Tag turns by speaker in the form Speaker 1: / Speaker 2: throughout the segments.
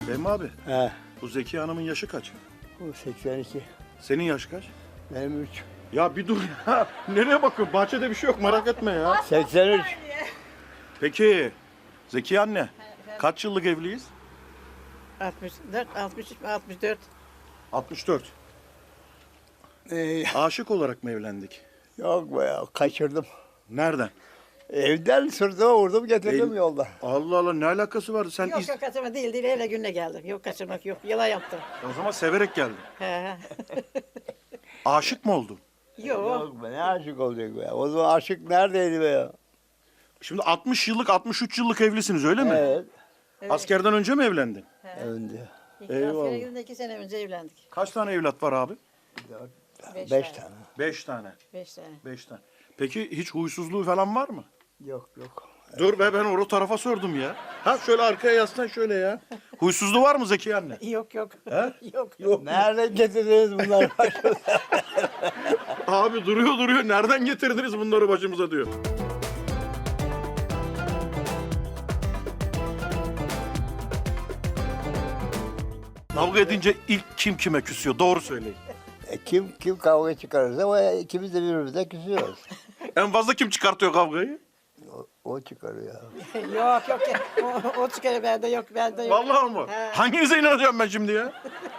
Speaker 1: Fehmi abi,
Speaker 2: He.
Speaker 1: bu Zeki Hanım'ın yaşı kaç?
Speaker 2: Bu 82.
Speaker 1: Senin yaş kaç?
Speaker 2: Benim 3.
Speaker 1: Ya bir dur ya. Nereye bakıyorsun? Bahçede bir şey yok, merak etme ya.
Speaker 2: 83.
Speaker 1: Peki, Zeki anne, kaç yıllık evliyiz?
Speaker 3: 64, 63, 64.
Speaker 1: 64. Aşık olarak mı evlendik?
Speaker 2: Yok be ya, kaçırdım.
Speaker 1: Nereden?
Speaker 2: Evden sırtıma vurdum getirdim yolda.
Speaker 1: Allah Allah, ne alakası vardı? Sen
Speaker 3: Yok yok kaçırma değil öyle gününe geldim. Yok kaçırmak yok. Yalan yaptım.
Speaker 1: O zaman severek geldin.
Speaker 3: He.
Speaker 1: Aşık mı oldun?
Speaker 3: Yok.
Speaker 2: Yok be, ne aşık olacak be ya. O zaman aşık neredeydi be ya?
Speaker 1: Şimdi 60 yıllık, 63 yıllık evlisiniz öyle mi?
Speaker 2: Evet.
Speaker 1: Askerden önce mi evlendin?
Speaker 2: Önde.
Speaker 1: Eyvallah.
Speaker 3: Askere gidince 2 sene önce evlendik.
Speaker 1: Kaç tane evlat var abi?
Speaker 2: 5 tane.
Speaker 1: 5 tane.
Speaker 3: 5 tane.
Speaker 1: 5 tane. Peki hiç huysuzluğu falan var mı?
Speaker 2: Yok yok.
Speaker 1: Dur be, ben o tarafa sordum ya. Ha şöyle arkaya yaslan şöyle ya. Huysuzluğu var mı Zeki anne?
Speaker 3: Yok yok.
Speaker 1: He?
Speaker 3: Yok.
Speaker 1: Yok.
Speaker 2: Nereden getirdiniz bunları başımıza?
Speaker 1: Abi duruyor. Nereden getirdiniz bunları başımıza diyor. Kavga edince ilk kim kime küsüyor? Doğru söyleyin.
Speaker 2: Kim kavga çıkarırsa o ikimiz de birbirimize küsüyoruz.
Speaker 1: En fazla kim çıkartıyor kavgayı?
Speaker 2: O çıkarıyor.
Speaker 3: Yok. O çıkarıyor bende yok. Bende yok.
Speaker 1: Vallahi mı?
Speaker 3: He.
Speaker 1: Hanginize inanacağım ben şimdi ya?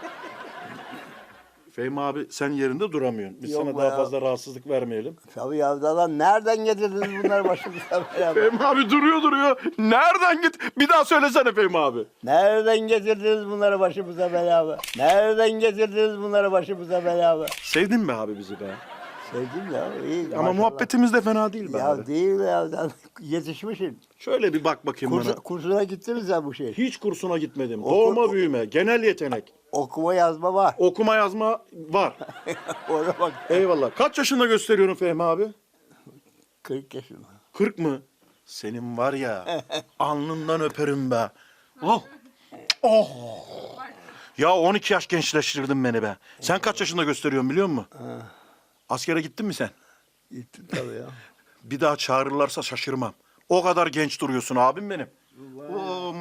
Speaker 1: Fehmi abi sen yerinde duramıyorsun. Biz
Speaker 2: Yok
Speaker 1: sana
Speaker 2: be
Speaker 1: daha
Speaker 2: ya.
Speaker 1: fazla rahatsızlık vermeyelim.
Speaker 2: Tabii ya lan nereden getirdiniz bunları başımıza beraber?
Speaker 1: Fehmi abi duruyor. Nereden git? Bir daha söylesene Fehmi abi.
Speaker 2: Nereden getirdiniz bunları başımıza beraber? Nereden getirdiniz bunları başımıza beraber?
Speaker 1: Sevdin mi abi bizi be?
Speaker 2: Sevdim ya. iyi,
Speaker 1: Ama
Speaker 2: maşallah.
Speaker 1: muhabbetimiz de fena değil be
Speaker 2: Ya
Speaker 1: abi.
Speaker 2: değil ya. Yetişmişsin.
Speaker 1: Şöyle bir bak bakayım bana.
Speaker 2: Kursuna gittiniz ya bu şey.
Speaker 1: Hiç kursuna gitmedim. Doğma büyüme, genel yetenek.
Speaker 2: Okuma yazma var.
Speaker 1: Okuma yazma var.
Speaker 2: Ona bak.
Speaker 1: Eyvallah. Kaç yaşında gösteriyorsun Fehmi abi?
Speaker 2: 40 yaşında.
Speaker 1: 40 mı? Senin var ya, alnından öperim be. Oh. Oh. Ya 12 yaş gençleştirdin beni be. Sen kaç yaşında gösteriyorsun biliyor musun? Askere gittin mi sen?
Speaker 2: Gittim tabii ya.
Speaker 1: Bir daha çağırırlarsa şaşırmam. O kadar genç duruyorsun abim benim. Oo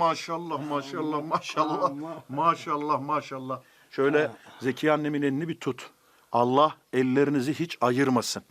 Speaker 1: maşallah. Şöyle Zeki annemin elini bir tut. Allah ellerinizi hiç ayırmasın.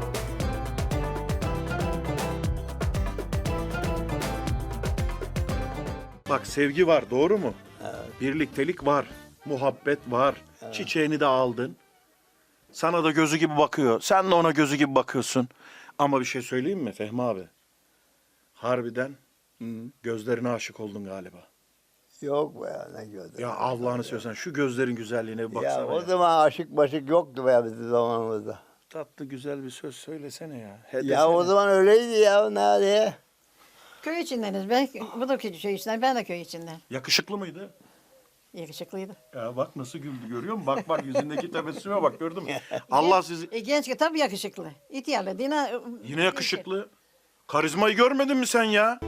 Speaker 1: Bak sevgi var, doğru mu? Birliktelik var, muhabbet var. Çiçeğini de aldın. Sana da gözü gibi bakıyor. Sen de ona gözü gibi bakıyorsun. Ama bir şey söyleyeyim mi Fehmi abi? Harbiden gözlerine aşık oldun galiba.
Speaker 2: Yok be ya ne gördün.
Speaker 1: Ya Allah'ını seversen şu gözlerin güzelliğine bir baksana.
Speaker 2: Ya o
Speaker 1: Ya.
Speaker 2: zaman aşık başık yoktu be ya bizim zamanımızda.
Speaker 1: Tatlı güzel bir söz söylesene ya.
Speaker 2: Ya o zaman öyleydi ya nerede?
Speaker 3: Köy içindeniz. Bu da köy içinden. Ben de köy içinden.
Speaker 1: Yakışıklı mıydı?
Speaker 3: Yakışıklıydı.
Speaker 1: Ya bak nasıl güldü görüyor musun? Bak yüzündeki tebessüme bak gördün mü? Allah sizi...
Speaker 3: Genç ki tabii yakışıklı. İhtiyarlı.
Speaker 1: Yine yakışıklı. Karizmayı görmedin mi sen ya?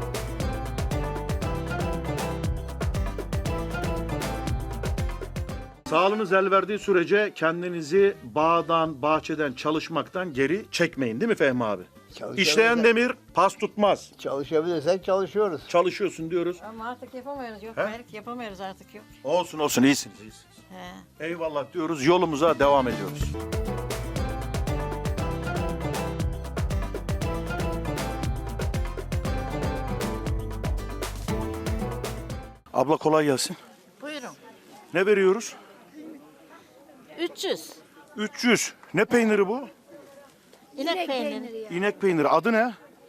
Speaker 1: Sağlığınız el verdiği sürece kendinizi bağdan, bahçeden, çalışmaktan geri çekmeyin değil mi Fehmi abi? İşleyen demir pas tutmaz.
Speaker 2: Çalışabilirsek çalışıyoruz.
Speaker 1: Çalışıyorsun diyoruz.
Speaker 3: Ama artık yapamıyoruz. Yok.
Speaker 1: He?
Speaker 3: Belki yapamıyoruz artık yok.
Speaker 1: Olsun iyisiniz.
Speaker 3: He.
Speaker 1: Eyvallah diyoruz, yolumuza devam ediyoruz. Abla kolay gelsin.
Speaker 4: Buyurun.
Speaker 1: Ne veriyoruz?
Speaker 4: 300.
Speaker 1: 300. Ne peyniri bu?
Speaker 4: İnek peyniri.
Speaker 1: İnek peyniri. Adı ne?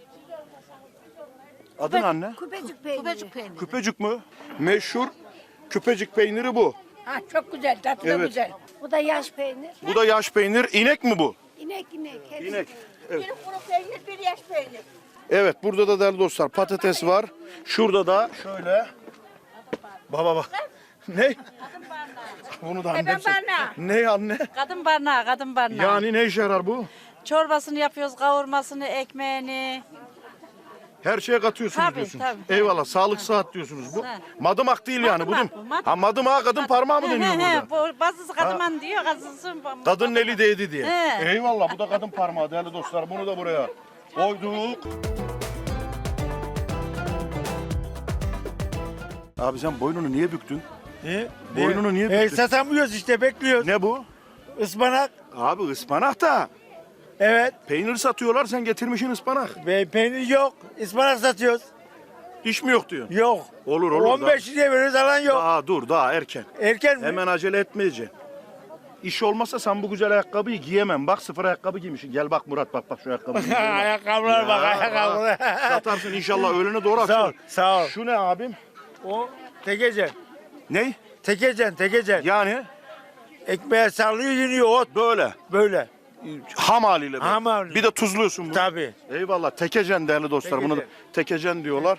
Speaker 1: Adı ne anne?
Speaker 5: Küpecik peyniri.
Speaker 4: Kubecik peyniri.
Speaker 1: Küpecik mi? Meşhur küpecik peyniri bu.
Speaker 5: Ha, çok güzel, tadı da
Speaker 1: Evet.
Speaker 5: güzel. Bu da yaş peynir.
Speaker 1: Bu da yaş peynir. İnek mi bu?
Speaker 5: İnek. hepsi.
Speaker 1: İnek. Evet.
Speaker 5: Bir kuru peynir, bir yaş peynir.
Speaker 1: Evet, burada da değerli dostlar patates var. Şurada da şöyle. Bak. Ne? Bunu da annem
Speaker 5: barnağı.
Speaker 1: Ne anne?
Speaker 4: Kadın barnağı.
Speaker 1: Yani ne işe yarar bu?
Speaker 4: Çorbasını yapıyoruz, kavurmasını, ekmeğini.
Speaker 1: Her şeye katıyorsunuz
Speaker 4: Tabii,
Speaker 1: diyorsunuz.
Speaker 4: tabii.
Speaker 1: Eyvallah, sağlık sıhhat diyorsunuz. Bu
Speaker 4: Ha.
Speaker 1: madımak değil yani bu değil mi?
Speaker 4: Madımak bu,
Speaker 1: Ha madımağa kadın parmağı mı deniyor burada?
Speaker 4: Bu bazısı kadın diyor, bazısı...
Speaker 1: Kadının eli değdi diye.
Speaker 4: He.
Speaker 1: Eyvallah, bu da kadın parmağı değerli dostlar. Bunu da buraya koyduk. Abi sen boynunu niye büktün?
Speaker 2: Ne?
Speaker 1: Boynunu niye büktün?
Speaker 2: Satamıyoruz işte bekliyoruz.
Speaker 1: Ne bu?
Speaker 2: Ispanak.
Speaker 1: Abi ıspanak da.
Speaker 2: Evet.
Speaker 1: Peynir satıyorlar, sen getirmişsin ıspanak.
Speaker 2: Peynir yok. Ispanak satıyoruz.
Speaker 1: İş mi yok diyor.
Speaker 2: Yok.
Speaker 1: Olur olur.
Speaker 2: 15 liraya veriyoruz alan yok.
Speaker 1: Daha dur, daha erken.
Speaker 2: Erken mi?
Speaker 1: Hemen acele etmeyeceksin. İş olmasa sen bu güzel ayakkabıyı giyemem. Bak sıfır ayakkabı giymişsin. Gel bak Murat bak şu ayakkabıyı.
Speaker 2: Ayakkabılar bak ayakkabılar.
Speaker 1: Satarsın inşallah öğlene doğru
Speaker 2: Sağ ol,
Speaker 1: akşam.
Speaker 2: sağ ol.
Speaker 1: Şu ne abim?
Speaker 2: O tekecen.
Speaker 1: Ne?
Speaker 2: Tekecen.
Speaker 1: Yani
Speaker 2: Ekmeğe sallıyor yeniyor ot.
Speaker 1: böyle.
Speaker 2: Böyle.
Speaker 1: Ham haliyle. böyle.
Speaker 2: Ham haliyle.
Speaker 1: Bir de tuzluyorsun bunu.
Speaker 2: Tabii.
Speaker 1: Eyvallah. Tekecen değerli dostlar. Bunu da tekecen diyorlar.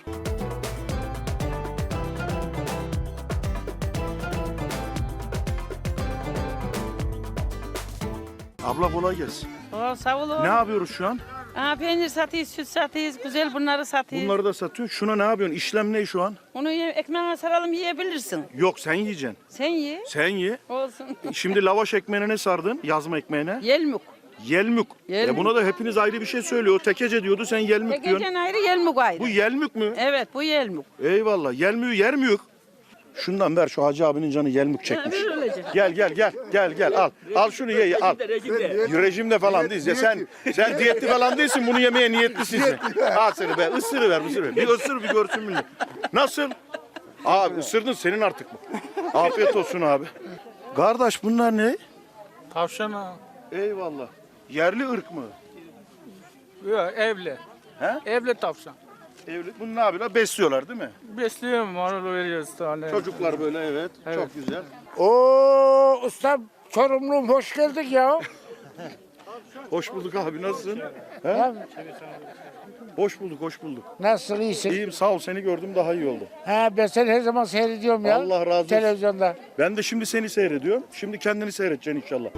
Speaker 1: Abla kolay gelsin.
Speaker 4: Sağ olun.
Speaker 1: Ne yapıyoruz şu an?
Speaker 4: Peynir satıyoruz, süt satıyoruz, güzel bunları satıyoruz.
Speaker 1: Bunları da satıyor. Şuna ne yapıyorsun? İşlem ne şu an?
Speaker 4: Onu ekmeğine saralım yiyebilirsin.
Speaker 1: Yok sen yiyeceksin.
Speaker 4: Sen ye.
Speaker 1: Sen ye.
Speaker 4: Olsun.
Speaker 1: Şimdi lavaş ekmeğine ne sardın? Yazma ekmeğine.
Speaker 4: Yelmuk.
Speaker 1: Yelmük.
Speaker 4: Yelmük.
Speaker 1: Buna da hepiniz ayrı bir şey söylüyor. O tekece diyordu, sen yelmük diyorsun.
Speaker 4: Tekecen ayrı, yelmuk ayrı.
Speaker 1: Bu yelmük mü?
Speaker 4: Evet, bu yelmuk.
Speaker 1: Eyvallah. Yelmüğü yer mi yok? Şundan ver, şu hacı abinin canı yelmük çekmiş. Gel al. Al şunu ye al. Rejimde falan değiliz. Ya sen diyetli falan değilsin, bunu yemeye niyetlisin sen. Al seni be, ısırı ver. Bir ısır bir görsün millet. Nasıl? Abi ısırdın, senin artık bu. Afiyet olsun abi. Kardeş bunlar ne?
Speaker 6: Tavşan ha.
Speaker 1: Eyvallah. Yerli ırk mı?
Speaker 6: Yok evli.
Speaker 1: He?
Speaker 6: Evli tavşan.
Speaker 1: Evli. Bunu ne yapıyorlar? Besliyorlar değil mi?
Speaker 6: Besliyorum, onu veriyoruz tane.
Speaker 1: Çocuklar böyle evet. Çok güzel.
Speaker 2: Oo usta Çorumlu'm hoş geldik ya.
Speaker 1: Hoş bulduk abi, nasılsın? He? Hoş bulduk.
Speaker 2: Nasılsın iyisin?
Speaker 1: İyiyim sağ ol, seni gördüm daha iyi oldu.
Speaker 2: Ha ben seni her zaman seyrediyorum ya.
Speaker 1: Allah razı olsun.
Speaker 2: Televizyonda.
Speaker 1: Ben de şimdi seni seyrediyorum. Şimdi kendini seyredeceksin inşallah.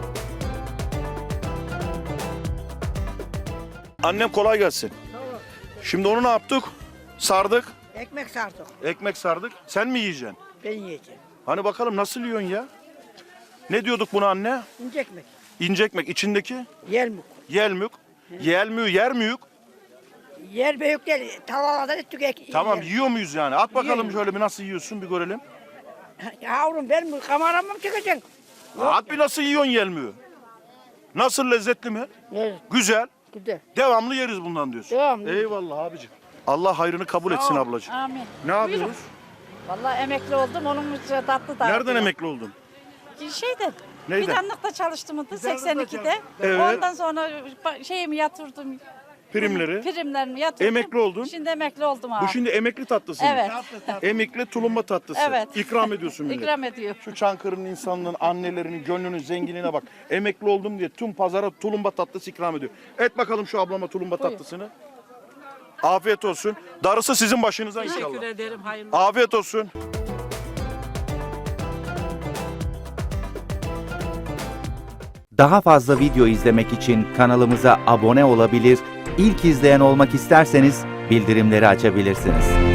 Speaker 1: Annem kolay gelsin. Şimdi onu ne yaptık? Sardık.
Speaker 3: Ekmek sardık.
Speaker 1: Ekmek sardık. Sen mi yiyeceksin?
Speaker 3: Ben yiyeceğim.
Speaker 1: Hani bakalım nasıl yiyorsun ya? Ne diyorduk buna anne?
Speaker 3: İnce ekmek.
Speaker 1: İnce ekmek. İçindeki
Speaker 3: Yelmuk.
Speaker 1: yelmük. Yelmüğü yer mi yok?
Speaker 3: Yer büyük değil. Tavalardan ettik
Speaker 1: Tamam yiyor muyuz yani? At bakalım
Speaker 3: Yiyorum.
Speaker 1: şöyle bir nasıl yiyorsun bir görelim.
Speaker 3: Yavrum ben bu kameramı mı çekeceksin?
Speaker 1: At bir nasıl yiyorsun yelmüğü? Nasıl, lezzetli mi?
Speaker 3: Evet.
Speaker 1: Güzel.
Speaker 3: Güzel.
Speaker 1: Devamlı yeriz bundan diyorsun.
Speaker 3: Devamlı.
Speaker 1: Eyvallah abicim. Allah hayrını kabul etsin ablacığım.
Speaker 4: Amin.
Speaker 1: Ne yapıyoruz?
Speaker 4: Vallahi emekli oldum, onun için tatlı da.
Speaker 1: Nereden emekli oldun?
Speaker 4: Şeyden.
Speaker 1: Neyden?
Speaker 4: Fidanlıkta çalıştım 82'de.
Speaker 1: Evet.
Speaker 4: Ondan sonra şeyimi yatırdım.
Speaker 1: Primleri.
Speaker 4: Primlerimi yatırdım.
Speaker 1: Emekli oldun.
Speaker 4: Şimdi emekli oldum abi.
Speaker 1: Bu şimdi emekli tatlısı mı?
Speaker 4: Evet.
Speaker 1: Emekli tulumba tatlısı.
Speaker 4: Evet.
Speaker 1: İkram ediyorsun millet.
Speaker 4: İkram ediyor.
Speaker 1: Şu Çankırı'nın insanlığın, annelerinin, gönlünün zenginliğine bak. Emekli oldum diye tüm pazara tulumba tatlısı ikram ediyor. Et bakalım şu ablama tulumba tatlısını. Afiyet olsun. Darısı sizin başınıza inşallah.
Speaker 4: Teşekkür ederim. Hayırlı.
Speaker 1: Afiyet olsun.
Speaker 7: Daha fazla video izlemek için kanalımıza abone olabilir, ilk izleyen olmak isterseniz bildirimleri açabilirsiniz.